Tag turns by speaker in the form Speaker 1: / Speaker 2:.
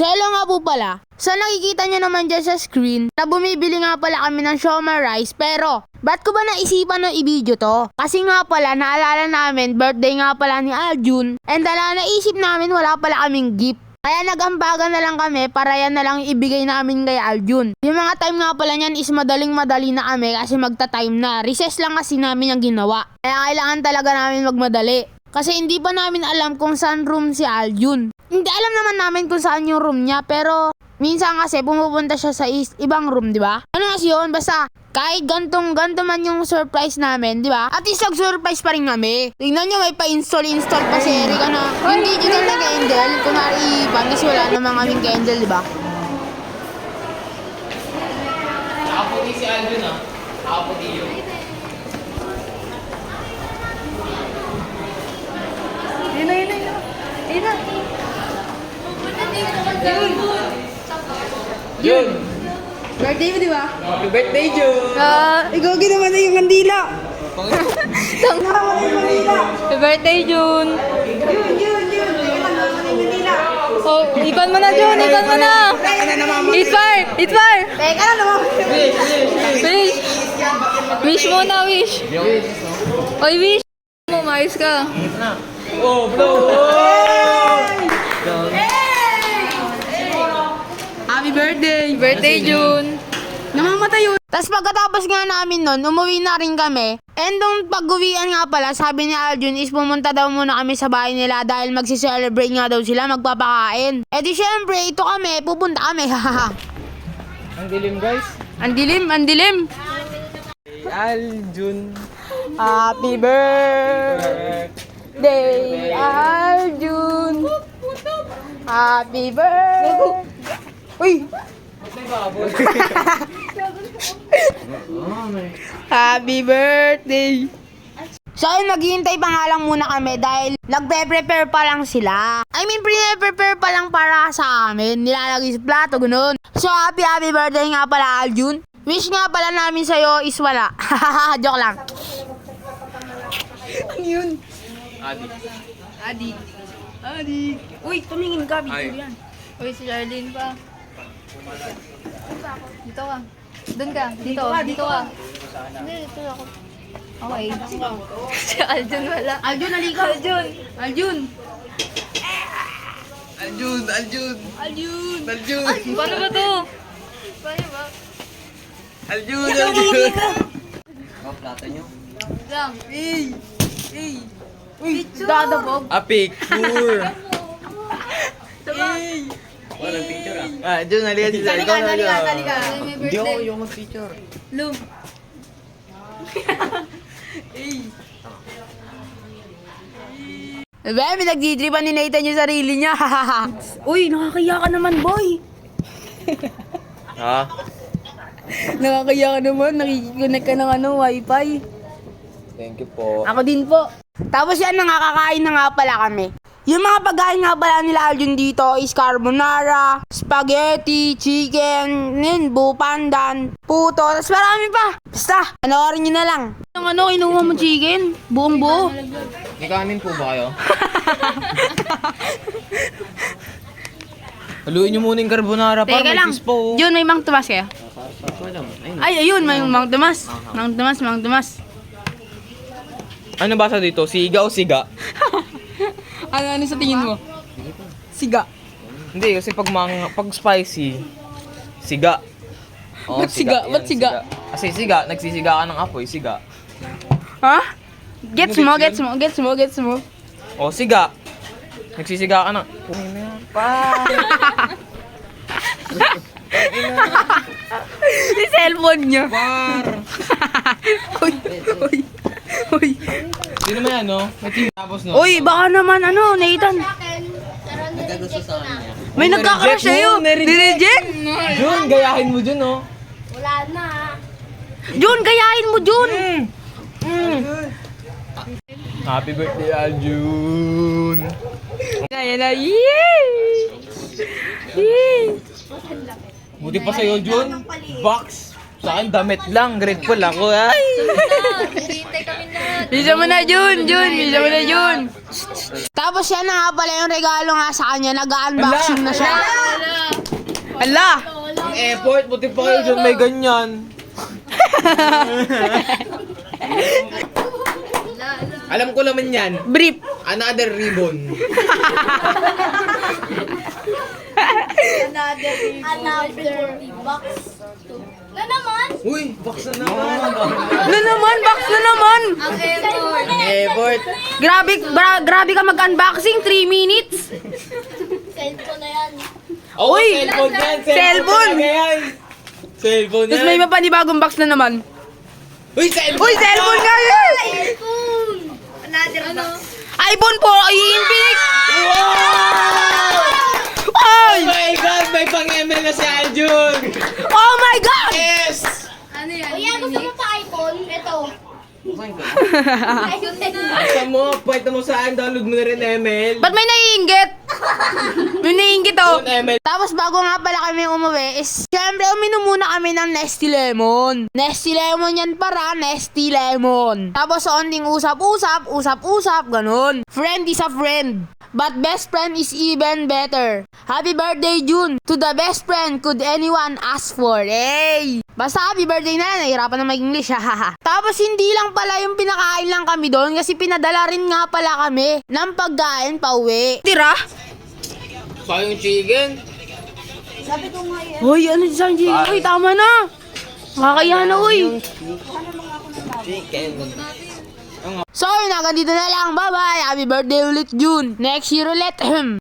Speaker 1: So hello nga po pala. So nakikita nyo naman dyan sa screen na bumibili nga pala kami ng siomai rice. Pero ba't ko ba naisipan ng i-video to? Kasi nga pala naalala namin birthday nga pala ni Aljun. And naisip namin wala pala kaming gift. Kaya nagambagan na lang kami para yan na lang ibigay namin kay Aljun. Yung mga time nga pala niyan is madaling-madali na kami kasi magta-time na. Recess lang kasi namin yung ginawa. Kaya kailangan talaga namin magmadali. Kasi hindi pa namin alam kung saan room si Aljun. Hindi alam naman namin kung saan yung room niya pero minsan kasi pumupunta siya sa ibang room, di ba? Ano kasi yun? Basta kahit ganto man yung surprise namin, di ba? At least nag-surprise pa rin kami. Tingnan nyo, may pa-install pa si Erika na yung digital na candle. Kung naiipan kasi wala namang kaming candle, di ba?
Speaker 2: Nakaputi si Alvin ah. Nakaputi yun. Yun!
Speaker 1: Birthday mo, di ba?
Speaker 2: Happy birthday, Jun!
Speaker 1: Ikaw ginawa na yung kandila.
Speaker 3: Happy birthday, Jun! Oh, ikon mo na, Jun! Ikon mo na! Eat fire! Eat fire!
Speaker 1: Teka na naman.
Speaker 3: Wish! Wish muna, wish! Oy, wish! Mo, maayos ka.
Speaker 2: Oh, bro!
Speaker 1: Happy birthday.
Speaker 3: Birthday, Jun!
Speaker 1: Namamatay yun. Tapos pagkatapos nga namin nun, umuwi na rin kami. And nung pag-uwian nga pala, sabi ni Aljun is pumunta daw muna kami sa bahay nila dahil magsi-celebrate nga daw sila, magpapakain. E di syempre, ito kami, pupunta kami.
Speaker 2: Ang dilim, guys.
Speaker 3: Ang dilim, ang dilim!
Speaker 2: Aljun.
Speaker 1: Happy birthday, Aljun. Happy birthday. Uy! Happy birthday! So ayun, naghihintay pa nga lang muna kami dahil nagpe-prepare pa lang sila. I mean, pre-prepare pa lang para sa amin. Nilalagay sa plato, ganun. So happy birthday nga pala, Aljun. Wish nga pala namin sa'yo is wala. Joke lang. Ano yun? Adi. Uy, tumingin ka, video yan.
Speaker 3: Uy, si Charlene pa. Dito ka. Doon ka. Dito ka. Hindi, dito ako. Okay. Si Aljun wala.
Speaker 1: Aljun, halika.
Speaker 3: Aljun!
Speaker 2: Aljun!
Speaker 3: Paano ba to? Paano ba?
Speaker 2: Aljun! Oh, plata nyo.
Speaker 3: Lang.
Speaker 1: Uy, dadabog.
Speaker 2: A picture! Walang picture ah. Jun, halika dito.
Speaker 1: Halika.
Speaker 3: May
Speaker 2: Hindi ako
Speaker 3: birthday.
Speaker 2: yung mag-picture.
Speaker 3: Lu.
Speaker 1: Bebe, nagdidripan ni Nathan yung sarili niya. Uy, nakakaya ka naman, boy.
Speaker 2: Ha?
Speaker 1: Nakakaya ka naman, nakikiconnect ka ng wifi.
Speaker 2: Thank you po.
Speaker 1: Ako din po. Tapos yan, nakakakain na nga pala kami. Yung mga pagkain nga pala nila Aljun dito is carbonara, spaghetti, chicken, pandan, puto, tapos marami pa. Basta, panoorin nyo na lang. Yung kinuha mo chicken? Buong buo.
Speaker 2: May kanin po ba kayo? Haluin nyo muna yung carbonara para
Speaker 1: Teka
Speaker 2: may
Speaker 1: lang,
Speaker 2: cheese po.
Speaker 1: Jun, may Mang Tomas kaya? Ay, ayun, may Mang Tomas. Mang Tomas.
Speaker 2: Ano basa dito? Siga o siga?
Speaker 1: Ano sa tingin mo? Siga.
Speaker 2: Hindi, kasi pag spicy, siga. Oo,
Speaker 1: Ba't siga?
Speaker 2: yan,
Speaker 1: Ba't siga?
Speaker 2: Kasi siga, nagsisiga ka ng apoy, siga.
Speaker 1: Ha? Gets mo?
Speaker 2: O, siga. Nagsisiga ka ng... Pumin na yan.
Speaker 1: Si cellphone niya.
Speaker 2: Par!
Speaker 1: Uy.
Speaker 2: Hindi naman yan, no? May team tapos, no?
Speaker 1: Uy, baka naman Nathan.
Speaker 2: Nagkagusto sa kanya.
Speaker 1: May nagkakrush sa'yo. Ni-reject?
Speaker 2: Jun, gayahin mo dyan, no?
Speaker 1: Jun, gayahin mo, Jun.
Speaker 2: Happy birthday, Aljun!
Speaker 1: Kaya na, yay!
Speaker 2: Buti pa sa'yo, Jun. Box. Sa akin, damit lang. Grateful ako, ay!
Speaker 3: Hintay kami lahat.
Speaker 1: Bisa mo na, Jun. Tapos yan na nga pala yung regalo nga sa kanya. Nag-unboxing na siya. Ala!
Speaker 2: Ang effort, buti pa kayo dyan may ganyan. Alam ko naman yan.
Speaker 1: Brief.
Speaker 2: Another ribbon.
Speaker 4: Another box. Na naman?
Speaker 2: Uy, box na naman.
Speaker 1: Na naman, box na naman!
Speaker 3: Ang effort.
Speaker 2: Ang effort.
Speaker 1: Grabe ka mag-unboxing, 3 minutes.
Speaker 4: Cellphone na yan.
Speaker 2: Oo,
Speaker 1: Uy!
Speaker 2: cellphone yan.
Speaker 1: Cellphone!
Speaker 2: talaga yan. Cellphone yan.
Speaker 1: Tapos may mapanibagong box na naman.
Speaker 2: Uy, cellphone!
Speaker 1: Uy, cellphone nga yan!
Speaker 4: Cellphone! Another box.
Speaker 1: iPhone po, i-Infinix!
Speaker 2: Wow!
Speaker 1: Ay!
Speaker 2: Oh my God! May pang-ML na si Aljun!
Speaker 1: Oh my God!
Speaker 2: Yes!
Speaker 3: Ano yan?
Speaker 4: Kuya, gusto mo pa iPhone? Ito.
Speaker 2: Buksan ko.
Speaker 4: iPhone.
Speaker 2: Buksan mo, pwede mo saan, download mo na rin ML.
Speaker 1: Ba't may naiinggit? May naiinggit oh.
Speaker 2: Doon ML.
Speaker 1: Tapos bago nga pala kami umuwi is, syempre uminom muna kami ng Nesty Lemon. Nesty Lemon yan para, Nesty Lemon. Tapos onting usap-usap, ganun. Friend is a friend. But best friend is even better. Happy birthday, June! To the best friend could anyone ask for. Hey! Basta happy birthday na lang, nahihirapan na mag-English, hahaha. Tapos hindi lang pala yung pinakain lang kami doon kasi pinadala rin nga pala kami ng pagkain pa uwi. Tira?
Speaker 2: Sayang chicken.
Speaker 4: Sabi ko nga yan.
Speaker 1: Hoy, ano dyan, G? Hoy, tama na! Makakaya na, uy!
Speaker 2: Chicken.
Speaker 1: So, yun na, ganito na lang. Bye-bye! Happy birthday ulit, June! Next year ulit!